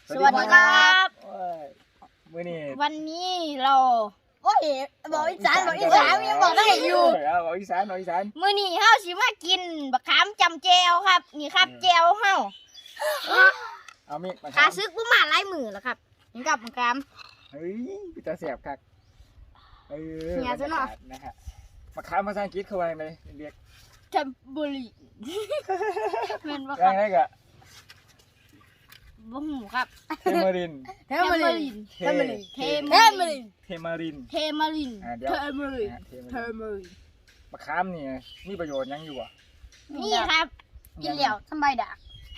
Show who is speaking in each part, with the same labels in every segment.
Speaker 1: สวัสดีครับ
Speaker 2: มื้อนี้
Speaker 1: วันนี้เราโอ้ยบอกอีสานยังบอกได้อยู่
Speaker 2: บอกอีสาน
Speaker 1: มื้อนี้เฮาสิมากินบักขามจำแจวครับนี่ครับแจวเฮา
Speaker 2: เอามี
Speaker 1: ขาซึกบ่มาหลายมื้อแล้วครับนี่กับบักขาม
Speaker 2: เฮ้ยพี่ตาแสบคัก
Speaker 1: เนี่ยซะเนาะ
Speaker 2: นะฮะมะขามภาษาอังกฤษเขาว่าจังได๋เรียก
Speaker 1: เทมเบอรี่แม่นบ่ค
Speaker 2: ยั
Speaker 1: รับ
Speaker 2: งไงก็
Speaker 1: บ่ฮู้ครับ
Speaker 2: เทมาริน
Speaker 1: เทมาริน
Speaker 2: มะขามนี่มีประโยชน์ยังอยู่บ่
Speaker 1: นี่ครับกินแล้วสบายดาก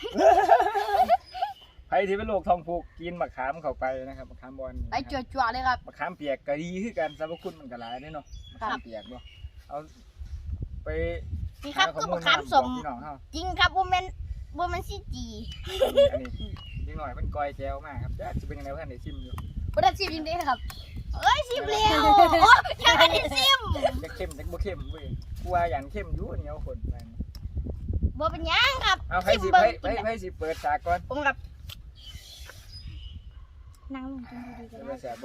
Speaker 2: ใครที่เป็นโรคท้องผูกกินมะขามเข้าไปนะครับมะขามบอน
Speaker 1: ไปจั่วๆเลยครับ
Speaker 2: มะขามเปียกก็ดีคือกันสรรพคุณมันก็หลายเด้เนาะมะขามเปียกเนาะเอาไป
Speaker 1: นี่ครับคือมะขามสมจริงครับบ่แม่นสิจี
Speaker 2: อันนี้นิดหน่อยมันกอยแจวมากครับจะเป็นยังไงเพื่อนได้ชิมอยู่
Speaker 1: บ่ได้ชิมจริงๆครับเอ้ยชิมแล้วโอ้ยังไม่ได้ชิม
Speaker 2: จะเข้มจะบ่เข้มเว้ยกลัวอย่างเข้มอยู่เหนียวข้นไป
Speaker 1: บ่เป็นหยังครับ
Speaker 2: เอาให้สิเปิดฉากก่อน
Speaker 1: ผมกับนั่งลงกินดีๆก็ได้
Speaker 2: แซ่บบ่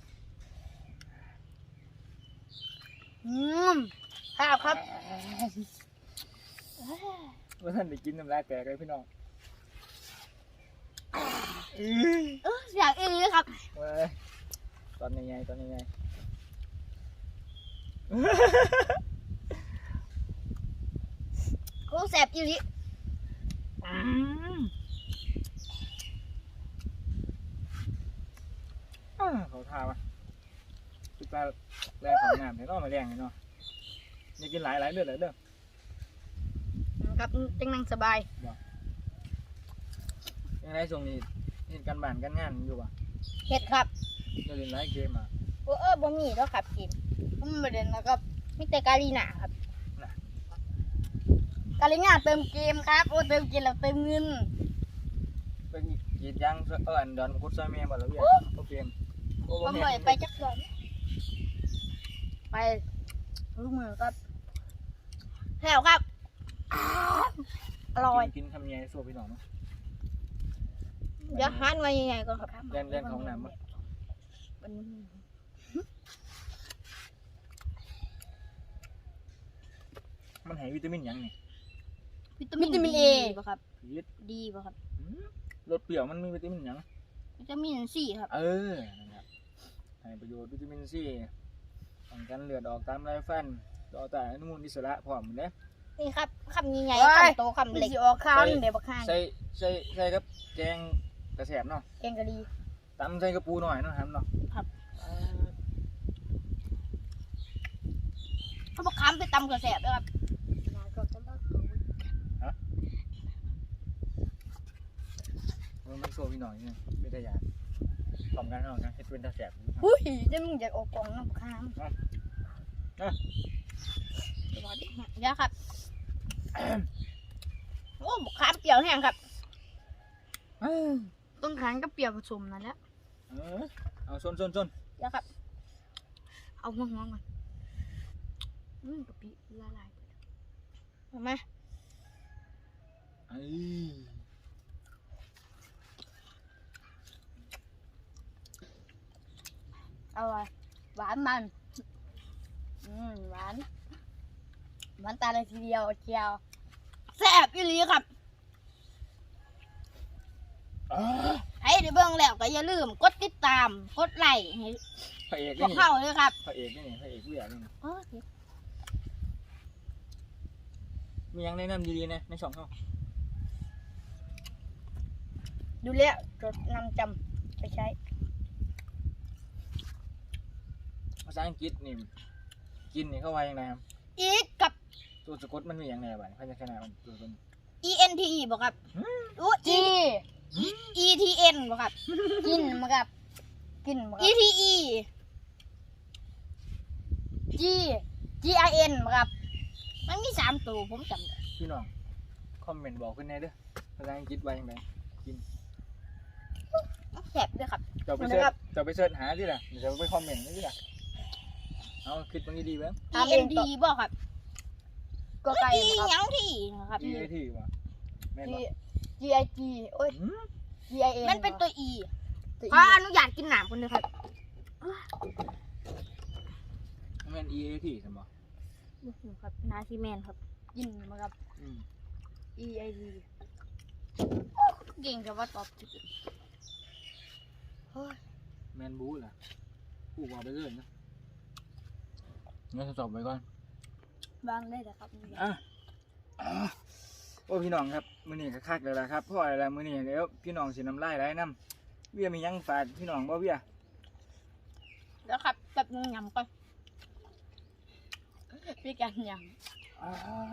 Speaker 1: ครับ
Speaker 2: ว่าท่านได้กินน้ำลายแตกเลยพี่น้อง
Speaker 1: อยากอีกครับ
Speaker 2: เว้ยตอนยังไง
Speaker 1: กูแสบอีหลี
Speaker 2: เขาทาว่ะตุ๊กตาแรงของน้ำเห็นเนาะมาแรงเนาะอย่ากินหลายเด้อ
Speaker 1: ครับจังนั่งสบาย
Speaker 2: ยังไงส่งนี่เห็นกันบ้านกันงานอยู่ป่ะ
Speaker 1: เฮ็ดครับ
Speaker 2: จะเล่นหลายเกมอ่ะ
Speaker 1: บ่มีแล้วครับเกมผมบ่เล่นนะครับมีแต่กาลีน่าครับกาลีน่าเติมเกมครับเติมเกมแล้วเติมเงิน
Speaker 2: เป็นกีดยางอันดอนกุศลเมียบ่แล้วเวียโอเค
Speaker 1: ผมบ่ไปจักดอนไปลูกมือครับแถวครับอร่อย
Speaker 2: กินทำยังไงสู้พี่น้องเนาะ
Speaker 1: เดี๋ยวหันมายังไงก็ครับ
Speaker 2: เล่นของน้ำมันให้วิตามินยังไง
Speaker 1: วิตามินเอป่ะครับดีป่ะครับ
Speaker 2: รสเปรี้ยวมันมีวิตามินยัง
Speaker 1: วิตามินซีครับ
Speaker 2: นั่นแหละให้ประโยชน์วิตามินซีป้องกันเลือดออกตามไรฟันต่อต้านอนุมูลอิสระพร้อมเด้
Speaker 1: นี่ครับคำใหญ่คำโตคำเล็กออกข้าวเดี๋ยวบักข้าง
Speaker 2: ใส่กับแกงกระแสบเนาะ
Speaker 1: แกงกะหรี่
Speaker 2: ตำใส่กระปูหน่อยเนาะครับเนาะ
Speaker 1: ครับเขาบอกค้ำไปตำกระแสบด้วยครับ
Speaker 2: มันโซ่พี่หน่อยเนี่ยไม่ได้ยาพร้อมกันเนาะนะเฮ็ดเป็นกระแสบ
Speaker 1: อุ้ยจะมึงอยากออกกล่องน้ำค้างเดี๋ยวครับโอ้บุกค้างเปรี้ยวแห้งครับต้นค้างก็เปรี้ยวผสมนั่นแหละ
Speaker 2: เอาซน
Speaker 1: เดี๋ยวครับเอาหัวก่อนกะปิละลายเห็นไหมอร่อยหวานมันหวานตาเลยทีเดียวเจียวแซ่บอีหลีครับให้ได้เบิ่งแล้วก็อย่าลืมกดติดตามกดไลค์ให้
Speaker 2: พระเอก
Speaker 1: นี่เข้าเลยครับ
Speaker 2: พระเอกนี่พระเอกผู้ใหญ่นี่มียังแนะนำดีๆนะในช่องเขา
Speaker 1: ดูแล้วจดนำจำไปใช้
Speaker 2: ภาษาอังกฤษนี่กินนี่เข้าไว้ยังไงครับ
Speaker 1: อีกกับ
Speaker 2: ตัวสะกดมันมีอย่างไรบ้างพยัญชนะมันตัวเป็น
Speaker 1: ENTE บอกครับETN บอกครับกินมาครับETE GIN บอกครับมันมี3ตัวผมจำได้
Speaker 2: พี่น้องคอมเมนต์บอกขึ้นในเด้อภาษาอังกฤษไว้ยังไงกิน
Speaker 1: แซ่บด้วยครับ
Speaker 2: จะไปเสิร์ชหาดิล่ะเดี๋ยวไปคอมเมนต์ดิล่ะเอาคิดมันดีๆไหม
Speaker 1: ENT บอกครับก็ไกลครับยังที่นะครับ
Speaker 2: GIT ว่ะ
Speaker 1: GIG โอ้ย EIN มันเป็นตัว E
Speaker 3: ขออนุญาตกินหนามคนเดียวครับ
Speaker 2: แม่น EAT ใช่บ่
Speaker 3: ครับนาซีแมนครับ
Speaker 1: ยินมาครับ EID เก่งแต่ว่าตอบผิดเฮ้ย
Speaker 2: แมนบูล่ะผู้บอกไปเรื่อยนะงั้นทดสอบไปก่อน
Speaker 1: บางได้แต่ครับ
Speaker 2: อ่ะโอ้พี่น้องครับมื้อนี้ก็คักแล้วล่ะครับเพราะอะไรมื้อนี้เดี๋ยวพี่น้องสิน้ำลายไหลน้ำเวียมีหยังฝากพี่น้องบ่เวีย
Speaker 1: แล้วครับแบบนึงยำก่อนพี่กันย
Speaker 2: อ่า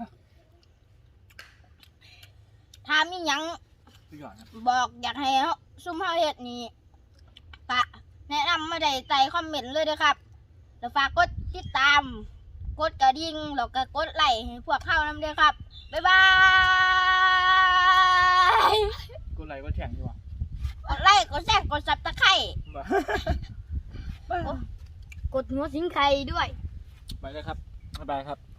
Speaker 1: ำถ้ามีหยัง
Speaker 2: พี่ยอดครับ
Speaker 1: บอกอยากให้ซุ่มเฮาเฮ็ดนี่กะแนะนำมาได้ใต้คอมเมนต์เลยเด้อครับแล้วฝากกดติดตามกดกระดิ่งแล้วก็กดไลค์ให้พวกเขานำเด้อครับบ๊ายบาย
Speaker 2: กูไหลก็แข็งอยู่ว่ะ
Speaker 1: กดไลค์กดแชร์กดซับตะไคร้
Speaker 2: บ่
Speaker 3: กดหัวสิงไข่ด้วย
Speaker 2: ไปเลยครับบ๊ายบายครับ